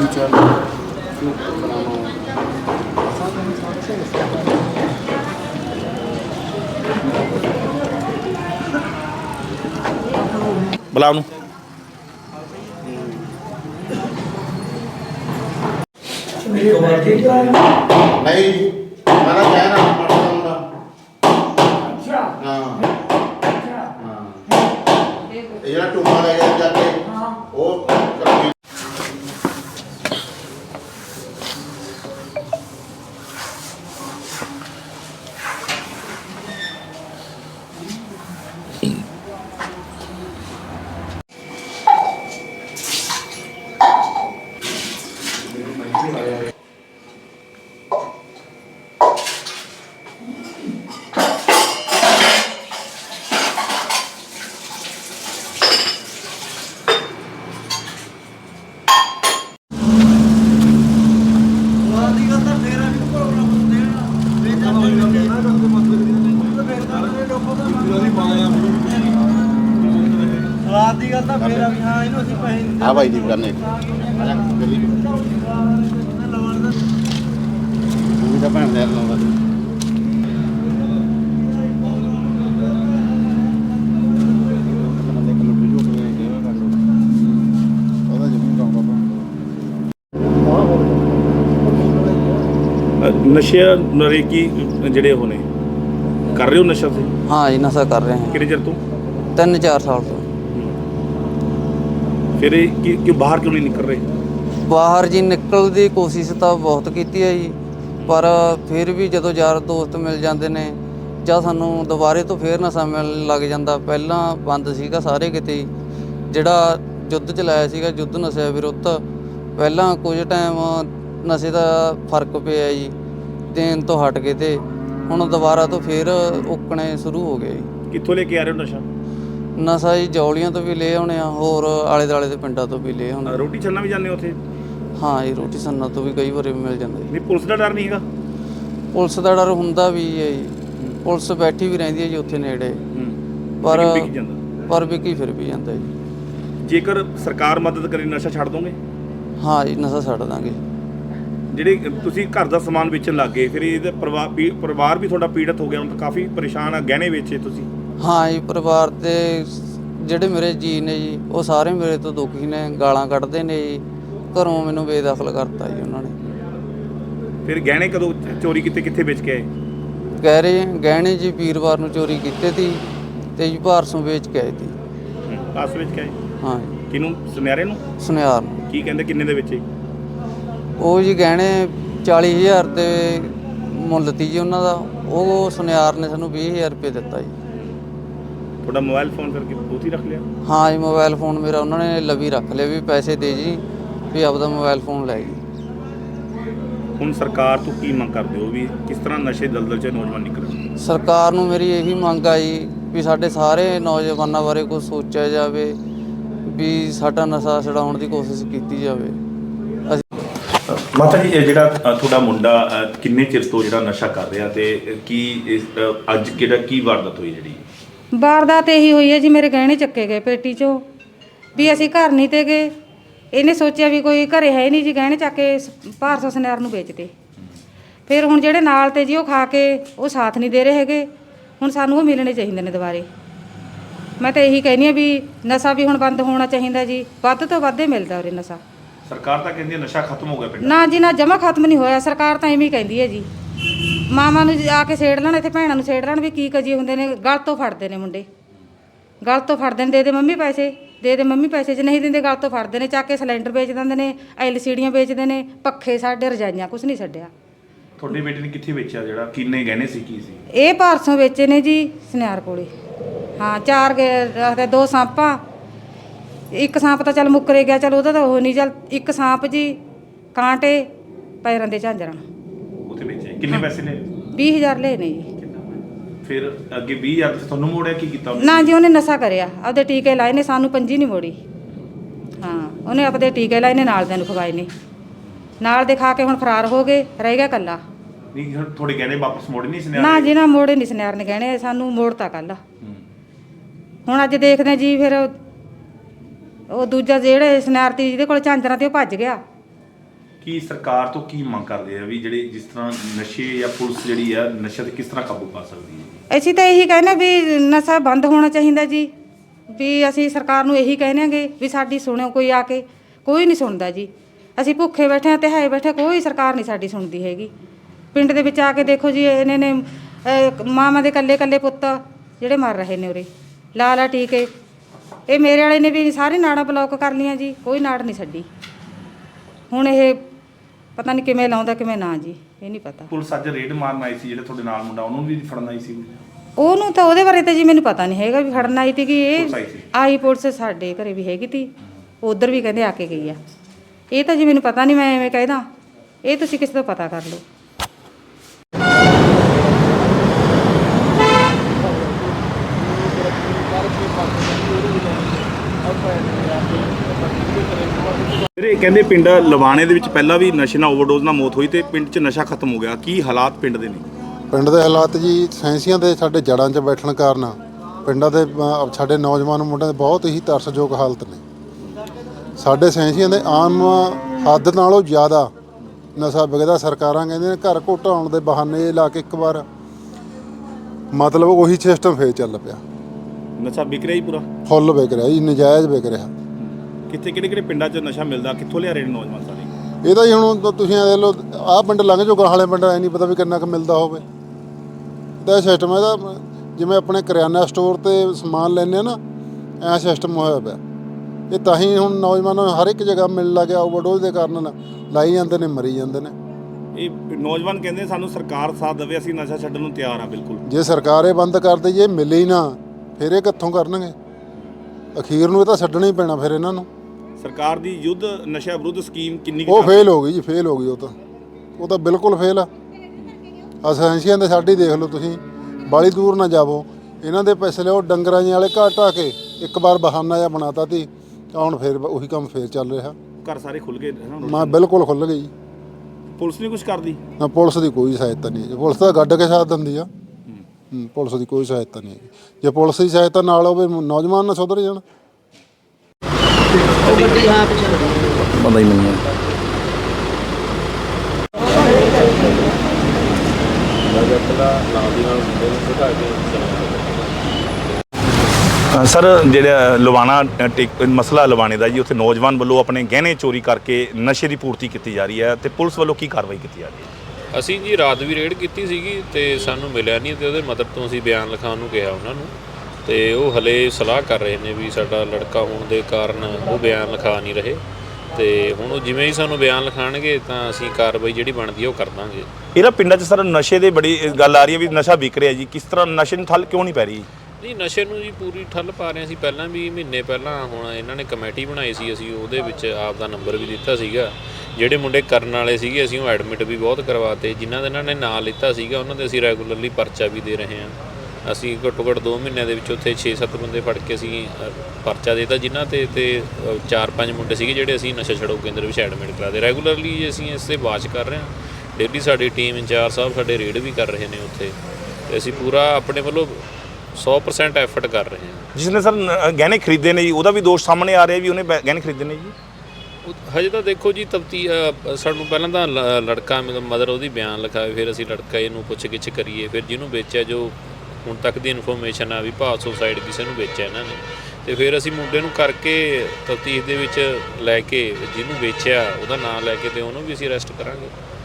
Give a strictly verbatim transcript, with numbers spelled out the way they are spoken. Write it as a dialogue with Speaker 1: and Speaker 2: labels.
Speaker 1: ਬੁਲਾ ਉਹਨੂੰ।
Speaker 2: ਨਹੀਂ ਮਾਰਾ ਕਹਿਣਾ ਪੜਦਾ ਹੁੰਦਾ। ਅੱਛਾ ਹਾਂ ਹਾਂ ਇਹ ਜਿਹੜਾ ਟੁੰਮਾ ਲੈ ਗਿਆ ਜਾ ਕੇ ਉਹ ਕਰਾਂਗੇ। हाँ भाई जी करने
Speaker 1: नशे नरेकी ਜਿਹੜੇ ਉਹ ਨੇ ਕਰ ਰਹੇ ਹੋ ਨਸ਼ਾ ਤੇ?
Speaker 3: हाँ जी नशा कर रहे हैं।
Speaker 1: ਕਿੰਨੇ ਚਿਰ ਤੋਂ?
Speaker 3: तीन चार साल ਤੋਂ।
Speaker 1: ਫਿਰ ਇਹ ਕਿ ਕਿ ਬਾਹਰ ਕਿਉਂ ਨਹੀਂ ਨਿਕਲ ਰਹੇ?
Speaker 3: ਬਾਹਰ ਜੀ ਨਿਕਲ ਦੀ ਕੋਸ਼ਿਸ਼ ਤਾਂ ਬਹੁਤ ਕੀਤੀ ਹੈ ਜੀ, ਪਰ ਫਿਰ ਵੀ ਜਦੋਂ ਯਾਰ ਦੋਸਤ ਮਿਲ ਜਾਂਦੇ ਨੇ ਜਾਂ ਸਾਨੂੰ ਦੁਬਾਰੇ ਤੋਂ ਫਿਰ ਨਸ਼ਾ ਮਿਲਣ ਲੱਗ ਜਾਂਦਾ। ਪਹਿਲਾਂ ਬੰਦ ਸੀਗਾ ਸਾਰੇ ਕਿਤੇ ਹੀ, ਜਿਹੜਾ ਯੁੱਧ ਚਲਾਇਆ ਸੀਗਾ ਯੁੱਧ ਨਸ਼ੇ ਵਿਰੁੱਧ, ਪਹਿਲਾਂ ਕੁਝ ਟਾਈਮ ਨਸ਼ੇ ਦਾ ਫਰਕ ਪਿਆ ਜੀ, ਦੇਣ ਤੋਂ ਹਟ ਗਏ ਤੇ ਹੁਣ ਦੁਬਾਰਾ ਤੋਂ ਫਿਰ ਉੱਕਣੇ ਸ਼ੁਰੂ ਹੋ ਗਏ ਜੀ।
Speaker 1: ਕਿੱਥੋਂ ਲੈ ਕੇ ਆ ਰਹੇ ਹੋ ਨਸ਼ਾ?
Speaker 3: ਨਸ਼ਾ ਜੀ ਜੌਲੀਆਂ ਤੋਂ ਵੀ ਲੈ ਆਉਣੇ ਆ, ਹੋਰ ਆਲੇ ਦੁਆਲੇ ਦੇ ਪਿੰਡਾਂ ਤੋਂ ਵੀ ਲੈ ਆਉਣੇ।
Speaker 1: ਰੋਟੀ ਛੰਨਾ ਵੀ ਜਾਂਦੇ ਉੱਥੇ?
Speaker 3: ਹਾਂ ਜੀ ਰੋਟੀ ਸੰਨਾ ਤੋਂ ਵੀ ਕਈ ਵਾਰੀ ਮਿਲ ਜਾਂਦਾ ਜੀ।
Speaker 1: ਨਹੀਂ ਪੁਲਿਸ ਦਾ ਡਰ ਨਹੀਂ ਹੈਗਾ?
Speaker 3: ਪੁਲਿਸ ਦਾ ਡਰ ਹੁੰਦਾ ਵੀ ਹੈ ਜੀ, ਪੁਲਿਸ ਬੈਠੀ ਵੀ ਰਹਿੰਦੀ ਹੈ ਜੀ ਉੱਥੇ ਨੇੜੇ, ਪਰ ਪਰ ਵਿਕੀ ਫਿਰ ਵੀ ਜਾਂਦਾ ਜੀ।
Speaker 1: ਜੇਕਰ ਸਰਕਾਰ ਮਦਦ ਕਰੇ ਨਸ਼ਾ ਛੱਡ ਦੋਗੇ?
Speaker 3: ਹਾਂ ਜੀ ਨਸ਼ਾ ਛੱਡ ਦਾਂਗੇ।
Speaker 1: ਜਿਹੜੇ ਤੁਸੀਂ ਘਰ ਦਾ ਸਮਾਨ ਵੇਚਣ ਲੱਗ ਗਏ, ਫਿਰ ਇਹਦਾ ਪਰਿਵਾਰ ਪਰਿਵਾਰ ਵੀ ਤੁਹਾਡਾ ਪੀੜਤ ਹੋ ਗਿਆ, ਹੁਣ ਤਾਂ ਕਾਫੀ ਪਰੇਸ਼ਾਨ ਆ, ਗਹਿਣੇ ਵੇਚੇ ਤੁਸੀਂ?
Speaker 3: ਹਾਂ ਜੀ ਪਰਿਵਾਰ ਦੇ ਜਿਹੜੇ ਮੇਰੇ ਜੀ ਨੇ ਜੀ ਉਹ ਸਾਰੇ ਮੇਰੇ ਤੋਂ ਦੁਖੀ ਨੇ, ਗਾਲਾਂ ਕੱਢਦੇ ਨੇ ਜੀ, ਘਰੋਂ ਮੈਨੂੰ ਬੇਦਖਲ ਕਰਤਾ ਜੀ ਉਹਨਾਂ ਨੇ।
Speaker 1: ਫਿਰ ਗਹਿਣੇ ਕਦੋਂ ਚੋਰੀ ਕੀਤੇ, ਕਿੱਥੇ ਵੇਚ ਕੇ ਆਏ?
Speaker 3: ਕਹਿ ਰਹੇ ਗਹਿਣੇ ਜੀ ਵੀਰਵਾਰ ਨੂੰ ਚੋਰੀ ਕੀਤੇ ਤੀ ਤੇ ਜੀ ਭਾਰਸੋਂ ਵੇਚ ਕੇ ਆਏ ਤੀ।
Speaker 1: ਪਾਸ ਵੇਚ ਕੇ ਆਏ?
Speaker 3: ਹਾਂ ਜੀ।
Speaker 1: ਕਿਹਨੂੰ? ਸੁਨਿਆਰੇ ਨੂੰ?
Speaker 3: ਸੁਨਿਆਰ ਨੂੰ।
Speaker 1: ਕੀ ਕਹਿੰਦੇ ਕਿੰਨੇ ਦੇ ਵਿੱਚ?
Speaker 3: ਉਹ ਜੀ ਗਹਿਣੇ ਚਾਲੀ ਹਜ਼ਾਰ ਦੇ ਮੁੱਲ ਤੀ ਜੀ ਉਹਨਾਂ ਦਾ, ਉਹ ਸੁਨਿਆਰ ਨੇ ਸਾਨੂੰ ਵੀਹ ਹਜ਼ਾਰ ਰੁਪਏ ਦਿੱਤਾ ਜੀ।
Speaker 1: ਤੁਹਾਡਾ ਮੋਬਾਈਲ ਫੋਨ ਕਰਕੇ ਬਹੁਤ ਹੀ ਰੱਖ ਲਿਆ?
Speaker 3: ਹਾਂ ਜੀ ਮੋਬਾਈਲ ਫੋਨ ਮੇਰਾ ਉਹਨਾਂ ਨੇ ਲਵੀ ਰੱਖ ਲਿਆ ਵੀ ਪੈਸੇ ਦੇ ਜੀ, ਵੀ ਆਪਦਾ ਮੋਬਾਈਲ ਫੋਨ ਲੈ ਗਈ।
Speaker 1: ਹੁਣ ਸਰਕਾਰ ਤੋਂ ਕੀ ਮੰਗ ਕਰਦੇ ਹੋ ਵੀ ਕਿਸ ਤਰ੍ਹਾਂ ਨਸ਼ੇ ਦਲਦਲ 'ਚ ਨੌਜਵਾਨ ਨਿਕਲਣ?
Speaker 3: ਸਰਕਾਰ ਨੂੰ ਮੇਰੀ ਇਹੀ ਮੰਗ ਆ ਜੀ ਵੀ ਸਾਡੇ ਸਾਰੇ ਨੌਜਵਾਨਾਂ ਬਾਰੇ ਕੁਝ ਸੋਚਿਆ ਜਾਵੇ, ਵੀ ਸਾਡਾ ਨਸ਼ਾ ਛਡਾਉਣ ਦੀ ਕੋਸ਼ਿਸ਼ ਕੀਤੀ ਜਾਵੇ।
Speaker 1: ਮਾਤਾ ਜੀ ਇਹ ਜਿਹੜਾ ਤੁਹਾਡਾ ਮੁੰਡਾ ਕਿੰਨੇ ਚਿਰ ਤੋਂ ਜਿਹੜਾ ਨਸ਼ਾ ਕਰ ਰਿਹਾ ਤੇ ਕੀ ਅੱਜ ਕਿਹੜਾ ਕੀ ਵਾਰਦਾਤ ਹੋਈ? ਜਿਹੜੀ
Speaker 4: ਵਾਰਦਾਤ ਇਹੀ ਹੋਈ ਹੈ ਜੀ, ਮੇਰੇ ਗਹਿਣੇ ਚੱਕੇ ਗਏ ਪੇਟੀ 'ਚੋਂ, ਵੀ ਅਸੀਂ ਘਰ ਨਹੀਂ ਤੇ ਗਏ, ਇਹਨੇ ਸੋਚਿਆ ਵੀ ਕੋਈ ਘਰੇ ਹੈ ਨਹੀਂ ਜੀ, ਗਹਿਣੇ ਚੱਕ ਕੇ ਭਾਰਸੋ ਸੁਨਿਆਰ ਨੂੰ ਵੇਚਦੇ। ਫਿਰ ਹੁਣ ਜਿਹੜੇ ਨਾਲ ਤੇ ਜੀ ਉਹ ਖਾ ਕੇ ਉਹ ਸਾਥ ਨਹੀਂ ਦੇ ਰਹੇ ਹੈਗੇ, ਹੁਣ ਸਾਨੂੰ ਉਹ ਮਿਲਣੇ ਚਾਹੀਦੇ ਨੇ ਦੁਬਾਰੇ। ਮੈਂ ਤਾਂ ਇਹੀ ਕਹਿੰਦੀ ਹਾਂ ਵੀ ਨਸ਼ਾ ਵੀ ਹੁਣ ਬੰਦ ਹੋਣਾ ਚਾਹੀਦਾ ਜੀ, ਵੱਧ ਤੋਂ ਵੱਧ ਮਿਲਦਾ ਉਰੇ ਨਸ਼ਾ।
Speaker 1: ਸਰਕਾਰ ਤਾਂ ਕਹਿੰਦੀ ਹੈ ਨਸ਼ਾ ਖਤਮ ਹੋ ਗਿਆ ਪਿੰਡ।
Speaker 4: ਨਾ ਜੀ ਨਾ, ਜਮਾ ਖਤਮ ਨਹੀਂ ਹੋਇਆ, ਸਰਕਾਰ ਤਾਂ ਐਵੇਂ ਹੀ ਕਹਿੰਦੀ ਹੈ ਜੀ। ਮਾਵਾਂ ਨੂੰ ਆ ਕੇ ਛੇੜ ਲੈਣ, ਇੱਥੇ ਭੈਣਾਂ ਨੂੰ ਛੇੜ ਲੈਣ, ਵੀ ਕੀ ਕਜੀ ਹੁੰਦੇ ਨੇ, ਗਲ ਤੋਂ ਫੜਦੇ ਨੇ ਮੁੰਡੇ, ਗਲ ਤੋਂ ਫੜਦੇ ਨੇ, ਦੇ ਦੇ ਮੰਮੀ ਪੈਸੇ, ਦੇ ਦੇ ਮੰਮੀ ਪੈਸੇ, 'ਚ ਨਹੀਂ ਦਿੰਦੇ ਗਲ ਤੋਂ ਫੜਦੇ ਨੇ, ਚੱਕ ਕੇ ਸਿਲੰਡਰ ਵੇਚ ਦਿੰਦੇ ਨੇ, ਐਲ ਸੀ ਡੀਆਂ ਵੇਚਦੇ ਨੇ, ਪੱਖੇ ਸਾਡੇ, ਰਜਾਈਆਂ, ਕੁਛ ਨਹੀਂ ਛੱਡਿਆ।
Speaker 1: ਤੁਹਾਡੇ ਬੇਟੇ ਨੇ ਕਿੱਥੇ ਵੇਚਿਆ? ਜਿਹੜਾ ਕਿੰਨੇ ਗਹਿਣੇ ਸੀ, ਕੀ ਸੀ?
Speaker 4: ਇਹ ਭਾਰਸੋਂ ਵੇਚੇ ਨੇ ਜੀ ਸੁਨਿਆਰ ਕੋਲੇ। ਹਾਂ ਚਾਰ ਰੱਖਦੇ, ਦੋ ਸਾਂਪਾਂ, ਇੱਕ ਸਾਂਪ ਤਾਂ ਚੱਲ ਮੁੱਕਰੇ ਗਿਆ, ਚੱਲ ਉਹਦਾ ਤਾਂ ਉਹ ਨਹੀਂ, ਚੱਲ ਇੱਕ ਸਾਂਪ ਜੀ, ਕਾਂਟੇ, ਪੈਰਾਂ ਦੇ ਝਾਂਜਰਾਂ
Speaker 1: ਉੱਥੇ ਵੇਚੇ। ਕਿੰਨੇ ਪੈਸੇ ਲਏ?
Speaker 4: ਵੀਹ ਹਜ਼ਾਰ ਲਏ ਨੇ ਜੀ।
Speaker 1: ਫਿਰ ਅੱਗੇ ਵੀਹ ਹਜ਼ਾਰ ਤੁਹਾਨੂੰ ਮੋੜਿਆ, ਕੀ ਕੀਤਾ?
Speaker 4: ਨਾ ਜੀ ਉਹਨੇ ਨਸ਼ਾ ਕਰਿਆ, ਆਪਦੇ ਟੀਕੇ ਲਾਏ ਨੇ, ਸਾਨੂੰ ਪੰਜੀ ਨਹੀਂ ਮੋੜੀ। ਹਾਂ ਉਹਨੇ ਆਪਦੇ ਟੀਕੇ ਲਾਏ ਨੇ, ਨਾਲ ਦੇ ਨੂੰ ਖਵਾਏ ਨੇ, ਨਾਲ ਦੇ ਖਾ ਕੇ ਹੁਣ ਫਰਾਰ ਹੋ ਗਏ, ਰਹਿ ਗਿਆ ਇਕੱਲਾ।
Speaker 1: ਨਹੀਂ ਥੋੜੇ ਗਹਿਣੇ ਵਾਪਸ ਮੋੜੇ ਨਹੀਂ ਸੁਨਿਆਰ?
Speaker 4: ਨਾ ਜੀ ਨਾ, ਮੋੜੇ ਨਹੀਂ ਸੁਨਿਆਰ ਨੇ ਗਹਿਣੇ, ਸਾਨੂੰ ਮੋੜਤਾ ਕੱਲ। ਹੁਣ ਅੱਜ ਦੇਖਦੇ ਜੀ, ਫਿਰ ਉਹ ਦੂਜਾ ਜਿਹੜੇ ਸੁਨਿਆਰ ਤੀ ਜਿਹਦੇ ਕੋਲ ਝਾਂਜਰਾਂ ਤੇ ਉਹ ਭੱਜ ਗਿਆ,
Speaker 1: ਕੀ ਸਰਕਾਰ ਤੋਂ ਕੀ ਮੰਗ ਕਰਦੇ ਆ ਵੀ ਜਿਹੜੇ ਜਿਸ ਤਰ੍ਹਾਂ ਨਸ਼ੇ ਜਾਂ ਪੁਲਿਸ ਜਿਹੜੀ ਆ ਨਸ਼ੇ ਤੇ ਕਿਸ ਤਰ੍ਹਾਂ ਕਾਬੂ ਪਾ ਸਕਦੀ ਹੈ?
Speaker 4: ਅਸੀਂ ਤਾਂ ਇਹੀ ਕਹਿੰਦੇ ਵੀ ਨਸ਼ਾ ਬੰਦ ਹੋਣਾ ਚਾਹੀਦਾ ਜੀ। ਵੀ ਅਸੀਂ ਸਰਕਾਰ ਨੂੰ ਇਹੀ ਕਹਿੰਦੇ ਵੀ ਸਾਡੀ ਸੁਣਿਓ ਕੋਈ ਆ ਕੇ। ਕੋਈ ਨਹੀਂ ਸੁਣਦਾ ਜੀ। ਅਸੀਂ ਭੁੱਖੇ ਬੈਠੇ ਹਾਂ, ਤਿਹਾਏ ਬੈਠੇ, ਕੋਈ ਸਰਕਾਰ ਨਹੀਂ ਸਾਡੀ ਸੁਣਦੀ ਹੈਗੀ। ਪਿੰਡ ਦੇ ਵਿੱਚ ਆ ਕੇ ਦੇਖੋ ਜੀ, ਇਹਨੇ ਨੇ ਅਹ, ਮਾਵਾਂ ਦੇ ਇਕੱਲੇ ਇਕੱਲੇ ਪੁੱਤ ਜਿਹੜੇ ਮਰ ਰਹੇ ਨੇ ਉਰੇ ਲਾ ਲਾ ਟੀਕੇ। ਇਹ ਮੇਰੇ ਵਾਲੇ ਨੇ ਵੀ ਸਾਰੇ ਨਾੜਾਂ ਬਲੌਕ ਕਰ ਲਈਆਂ ਜੀ, ਕੋਈ ਨਾੜ ਨਹੀਂ ਛੱਡੀ। ਹੁਣ ਇਹ ਪਤਾ ਨਹੀਂ ਕਿਵੇਂ ਲਾਉਂਦਾ ਕਿਵੇਂ ਨਾ ਜੀ, ਇਹ ਨਹੀਂ ਪਤਾ।
Speaker 1: ਪੁਲਿਸ ਅੱਜ ਰੇਡ ਮਾਰਨ ਆਈ ਸੀ, ਜਿਹੜੇ ਤੁਹਾਡੇ ਨਾਲ ਮੁੰਡਾ ਉਹਨੂੰ ਵੀ ਫੜਨ ਆਈ ਸੀ?
Speaker 4: ਉਹਨੂੰ ਤਾਂ ਉਹਦੇ ਬਾਰੇ ਤਾਂ ਜੀ ਮੈਨੂੰ ਪਤਾ ਨਹੀਂ ਹੈਗਾ ਵੀ ਫੜਨ ਆਈ ਤੀ ਕਿ
Speaker 1: ਪੁਲਿਸ
Speaker 4: ਇਹ
Speaker 1: ਆਈ ਸੀ?
Speaker 4: ਆਈ ਪੁਲਿਸ ਸਾਡੇ ਘਰੇ ਵੀ ਹੈਗੀ ਤੀ, ਉਧਰ ਵੀ ਕਹਿੰਦੇ ਆ ਕੇ ਗਈ ਆ। ਇਹ ਤਾਂ ਜੀ ਮੈਨੂੰ ਪਤਾ ਨਹੀਂ, ਮੈਂ ਐਵੇਂ ਕਹਿਦਾ। ਇਹ ਤੁਸੀਂ ਕਿਸੇ ਤੋਂ ਪਤਾ ਕਰ ਲਓ।
Speaker 1: ਵੀਰੇ ਕਹਿੰਦੇ ਪਿੰਡ ਲਵਾਣੇ ਦੇ ਵਿੱਚ ਪਹਿਲਾਂ ਵੀ ਨਸ਼ੇ ਨਾਲ ਓਵਰਡੋਜ਼ ਨਾਲ ਮੌਤ ਹੋਈ ਤੇ ਪਿੰਡ 'ਚ ਨਸ਼ਾ ਖਤਮ ਹੋ ਗਿਆ। ਕੀ ਹਾਲਾਤ ਪਿੰਡ ਦੇ ਨੇ?
Speaker 5: ਪਿੰਡ ਦੇ ਹਾਲਾਤ ਜੀ ਸੈਂਸੀਆਂ ਦੇ ਸਾਡੇ ਜੜ੍ਹਾਂ 'ਚ ਬੈਠਣ ਕਾਰਨ ਪਿੰਡਾਂ ਦੇ ਅ, ਸਾਡੇ ਨੌਜਵਾਨ ਮੁੰਡਿਆਂ ਦੇ ਬਹੁਤ ਹੀ ਤਰਸਯੋਗ ਹਾਲਤ ਨੇ। ਸਾਡੇ ਸੈਂਸੀਆਂ ਦੇ ਆਮ ਹੱਦ ਨਾਲੋਂ ਜ਼ਿਆਦਾ ਨਸ਼ਾ ਵਿਕਦਾ। ਸਰਕਾਰਾਂ ਕਹਿੰਦੀਆਂ ਨੇ ਘਰ ਘੋਟਾਉਣ ਦੇ ਬਹਾਨੇ ਲਾ ਕੇ ਇੱਕ ਵਾਰ ਮਤਲਬ ਉਹੀ ਸਿਸਟਮ ਫੇਰ ਚੱਲ ਪਿਆ।
Speaker 1: ਨਸ਼ਾ ਵਿਕ ਰਿਹਾ ਹੀ ਪੂਰਾ
Speaker 5: ਫੁੱਲ ਵਿਕ ਰਿਹਾ ਜੀ, ਨਜਾਇਜ਼ ਵਿਕ ਰਿਹਾ।
Speaker 1: ਕਿੱਥੇ ਕਿਹੜੇ ਕਿਹੜੇ ਪਿੰਡਾਂ 'ਚ ਨਸ਼ਾ ਮਿਲਦਾ, ਕਿੱਥੋਂ ਲਿਆ ਰਹੇ ਨੇ ਨੌਜਵਾਨ ਸਾਰੇ?
Speaker 5: ਇਹ ਤਾਂ ਜੀ ਹੁਣ ਤੁਸੀਂ ਇਹ ਦੇਖ ਲਓ, ਆਹ ਪਿੰਡ ਲੰਘ ਜਾਓ, ਗਾਹਾਂ ਵਾਲੇ ਪਿੰਡ ਐ ਨਹੀਂ ਪਤਾ ਵੀ ਕਿੰਨਾ ਕੁ ਮਿਲਦਾ ਹੋਵੇ। ਤਾਂ ਇਹ ਸਿਸਟਮ ਇਹਦਾ ਜਿਵੇਂ ਆਪਣੇ ਕਰਿਆਨਾ ਸਟੋਰ ਤੇ ਸਮਾਨ ਲੈਂਦੇ ਆ ਨਾ, ਐਂ ਸਿਸਟਮ ਹੋਇਆ ਪਿਆ। ਇਹ ਤਾਂ ਹੀ ਹੁਣ ਨੌਜਵਾਨਾਂ ਨੂੰ ਹਰ ਇੱਕ ਜਗ੍ਹਾ ਮਿਲਣ ਲੱਗਿਆ। ਓਵਰਡੋਜ਼ ਦੇ ਕਾਰਨ ਲਾਈ ਜਾਂਦੇ ਨੇ, ਮਰੀ ਜਾਂਦੇ ਨੇ।
Speaker 1: ਇਹ ਨੌਜਵਾਨ ਕਹਿੰਦੇ ਸਾਨੂੰ ਸਰਕਾਰ ਸਾਥ ਦੇਵੇ, ਅਸੀਂ ਨਸ਼ਾ ਛੱਡਣ ਨੂੰ ਤਿਆਰ ਆ। ਬਿਲਕੁਲ
Speaker 5: ਜੇ ਸਰਕਾਰ ਇਹ ਬੰਦ ਕਰ ਦੇ, ਜੇ ਮਿਲੇ ਹੀ ਨਾ, ਫਿਰ ਇਹ ਕਿੱਥੋਂ ਕਰਨਗੇ? ਅਖੀਰ ਨੂੰ ਇਹ ਤਾਂ ਛੱਡਣਾ ਹੀ ਪੈਣਾ ਫਿਰ ਇਹਨਾਂ ਨੂੰ।
Speaker 1: ਸਰਕਾਰ ਦੀ ਯੁੱਧ ਨਸ਼ਾ ਵਿਰੁੱਧ ਸਕੀਮ ਕਿੰਨੀ
Speaker 5: ਉਹ ਫੇਲ ਹੋ ਗਈ ਜੀ, ਫੇਲ ਹੋ ਗਈ। ਉਹ ਤਾਂ ਉਹ ਤਾਂ ਬਿਲਕੁਲ ਫੇਲ ਆ। ਅਸੈਂਸ਼ੀਆਂ ਦੇ ਸਾਡੀ ਦੇਖ ਲਓ ਤੁਸੀਂ, ਬਾਲੀ ਦੂਰ ਨਾ ਜਾਵੋ। ਇਹਨਾਂ ਦੇ ਪੈਸੇ ਲਿਓ ਡੰਗਰਾਂ ਜਿਹੇ ਵਾਲੇ ਘਾਹ ਢਾ ਕੇ ਇੱਕ ਵਾਰ ਬਹਾਨਾ ਜਿਹਾ ਬਣਾਤਾ ਤੀ, ਹੁਣ ਫੇਰ ਉਹੀ ਕੰਮ ਫੇਰ ਚੱਲ ਰਿਹਾ।
Speaker 1: ਘਰ ਸਾਰੇ ਖੁੱਲ ਗਏ ਹੈ ਨਾ?
Speaker 5: ਮੈਂ ਬਿਲਕੁਲ ਖੁੱਲ ਗਈ।
Speaker 1: ਪੁਲਿਸ ਨਹੀਂ ਕੁਝ ਕਰਦੀ?
Speaker 5: ਨਾ ਪੁਲਿਸ ਦੀ ਕੋਈ ਸਹਾਇਤਾ ਨਹੀਂ ਹੈ। ਪੁਲਿਸ ਤਾਂ ਗੱਡ ਕੇ ਸਾਥ ਦਿੰਦੀ ਆ। ਹੂੰ, ਪੁਲਿਸ ਦੀ ਕੋਈ ਸਹਾਇਤਾ ਨਹੀਂ ਹੈ। ਜੇ ਪੁਲਿਸ ਦੀ ਸਹਾਇਤਾ ਨਾਲ ਹੋਵੇ, ਨੌਜਵਾਨ ਨਾ ਸੁਧਰ ਜਾਣ।
Speaker 1: ਪਤਾ ਹੀ ਨਹੀਂ ਸਰ, ਜਿਹੜਾ ਲਵਾਣਾ ਟਿਕ ਮਸਲਾ ਲਵਾਣੇ ਦਾ ਜੀ, ਉੱਥੇ ਨੌਜਵਾਨ ਵੱਲੋਂ ਆਪਣੇ ਗਹਿਣੇ ਚੋਰੀ ਕਰਕੇ ਨਸ਼ੇ ਦੀ ਪੂਰਤੀ ਕੀਤੀ ਜਾ ਰਹੀ ਹੈ ਤੇ ਪੁਲਿਸ ਵੱਲੋਂ ਕੀ ਕਾਰਵਾਈ ਕੀਤੀ ਜਾ ਰਹੀ ਹੈ?
Speaker 6: ਅਸੀਂ ਜੀ ਰਾਤ ਵੀ ਰੇਡ ਕੀਤੀ ਸੀਗੀ ਤੇ ਸਾਨੂੰ ਮਿਲਿਆ ਨਹੀਂ ਤੇ ਉਹਦੇ ਮਦਦ ਤੋਂ ਅਸੀਂ ਬਿਆਨ ਲਿਖਾਉਣ ਨੂੰ ਕਿਹਾ ਉਹਨਾਂ ਨੂੰ, ਤੇ ਉਹ ਹਲੇ ਸਲਾਹ ਕਰ ਰਹੇ ਨੇ ਵੀ ਸਾਡਾ ਲੜਕਾ ਹੋਣ ਦੇ ਕਾਰਨ ਉਹ ਬਿਆਨ ਲਿਖਾ ਨਹੀਂ ਰਹੇ। ਤੇ ਹੁਣ ਉਹ ਜਿਵੇਂ ਹੀ ਸਾਨੂੰ ਬਿਆਨ ਲਿਖਾਣਗੇ ਤਾਂ ਅਸੀਂ ਕਾਰਵਾਈ ਜਿਹੜੀ ਬਣਦੀ ਹੈ ਉਹ ਕਰ ਦਾਂਗੇ।
Speaker 1: ਇਹਦਾ ਪਿੰਡਾਂ 'ਚ ਸਰ ਨਸ਼ੇ ਦੇ ਬੜੀ ਗੱਲ ਆ ਰਹੀ ਹੈ ਵੀ ਨਸ਼ਾ ਵਿਕ ਰਿਹਾ ਜੀ। ਕਿਸ ਤਰ੍ਹਾਂ ਨਸ਼ੇ ਨੂੰ ਠੱਲ ਕਿਉਂ ਨਹੀਂ ਪੈ ਰਹੀ?
Speaker 6: ਨਹੀਂ, ਨਸ਼ੇ ਨੂੰ ਜੀ ਪੂਰੀ ਠੱਲ ਪਾ ਰਹੇ ਸੀ ਪਹਿਲਾਂ ਵੀ। ਮਹੀਨੇ ਪਹਿਲਾਂ ਹੁਣ ਇਹਨਾਂ ਨੇ ਕਮੇਟੀ ਬਣਾਈ ਸੀ, ਅਸੀਂ ਉਹਦੇ ਵਿੱਚ ਆਪ ਦਾ ਨੰਬਰ ਵੀ ਦਿੱਤਾ ਸੀਗਾ। ਜਿਹੜੇ ਮੁੰਡੇ ਕਰਨ ਵਾਲੇ ਸੀਗੇ ਅਸੀਂ ਉਹ ਐਡਮਿਟ ਵੀ ਬਹੁਤ ਕਰਵਾਤੇ। ਜਿਨ੍ਹਾਂ ਦੇ ਇਹਨਾਂ ਨੇ ਨਾਂ ਲਿੱਤਾ ਸੀਗਾ ਉਹਨਾਂ ਦੇ ਅਸੀਂ ਰੈਗੂਲਰਲੀ ਪਰਚਾ ਵੀ ਦੇ ਰਹੇ ਹਾਂ। ਅਸੀਂ ਘੱਟੋ ਘੱਟ ਦੋ ਮਹੀਨਿਆਂ ਦੇ ਵਿੱਚ ਉੱਥੇ ਛੇ ਸੱਤ ਬੰਦੇ ਫੜ ਕੇ ਅਸੀਂ ਪਰਚਾ ਦੇਤਾ, ਜਿਨ੍ਹਾਂ 'ਤੇ ਤੇ ਚਾਰ ਪੰਜ ਮੁੰਡੇ ਸੀਗੇ ਜਿਹੜੇ ਅਸੀਂ ਨਸ਼ਾ ਛਡਾਊ ਕੇਂਦਰ ਵਿੱਚ ਐਡਮਿਟ ਕਰਾਦੇ। ਰੈਗੂਲਰਲੀ ਅਸੀਂ ਇਸ 'ਤੇ ਵਾਚ ਕਰ ਰਹੇ ਹਾਂ। ਡੇਲੀ ਸਾਡੀ ਟੀਮ ਇੰਚਾਰਜ ਸਾਹਿਬ ਸਾਡੇ ਰੇਡ ਵੀ ਕਰ ਰਹੇ ਨੇ ਉੱਥੇ, ਅਤੇ ਅਸੀਂ ਪੂਰਾ ਆਪਣੇ ਵੱਲੋਂ ਸੌ ਪਰਸੈਂਟ ਐਫਰਟ ਕਰ ਰਹੇ ਹਾਂ।
Speaker 1: ਜਿਸ ਨੇ ਸਰ ਗਹਿਣੇ ਖਰੀਦੇ ਨੇ ਜੀ, ਉਹਦਾ ਵੀ ਦੋਸ਼ ਸਾਹਮਣੇ ਆ ਰਿਹਾ ਵੀ ਉਹਨੇ ਗਹਿਣੇ ਖਰੀਦੇ ਨੇ ਜੀ।
Speaker 6: ਹਜੇ ਤਾਂ ਦੇਖੋ ਜੀ, ਤਫਤੀ ਸਾਨੂੰ ਪਹਿਲਾਂ ਤਾਂ ਲੜਕਾ ਮਦਰ ਉਹਦੀ ਬਿਆਨ ਲਿਖਾਵੇ, ਫਿਰ ਅਸੀਂ ਲੜਕਾ ਇਹਨੂੰ ਪੁੱਛ ਗਿੱਛ ਕਰੀਏ, ਫਿਰ ਜਿਹਨੂੰ ਵੇਚਿਆ, ਜੋ ਹੁਣ ਤੱਕ ਦੀ ਇਨਫੋਰਮੇਸ਼ਨ ਆ ਵੀ ਭਾਦਸੋਂ ਸਾਈਡ ਕਿਸੇ ਨੂੰ ਵੇਚਿਆ ਇਹਨਾਂ ਨੇ, ਤੇ ਫਿਰ ਅਸੀਂ ਮੁੰਡੇ ਨੂੰ ਕਰਕੇ ਤਫਤੀਸ਼ ਦੇ ਵਿੱਚ ਲੈ ਕੇ ਜਿਹਨੂੰ ਵੇਚਿਆ ਉਹਦਾ ਨਾਂ ਲੈ ਕੇ ਤੇ ਉਹਨੂੰ ਵੀ ਅਸੀਂ ਅਰੈਸਟ ਕਰਾਂਗੇ।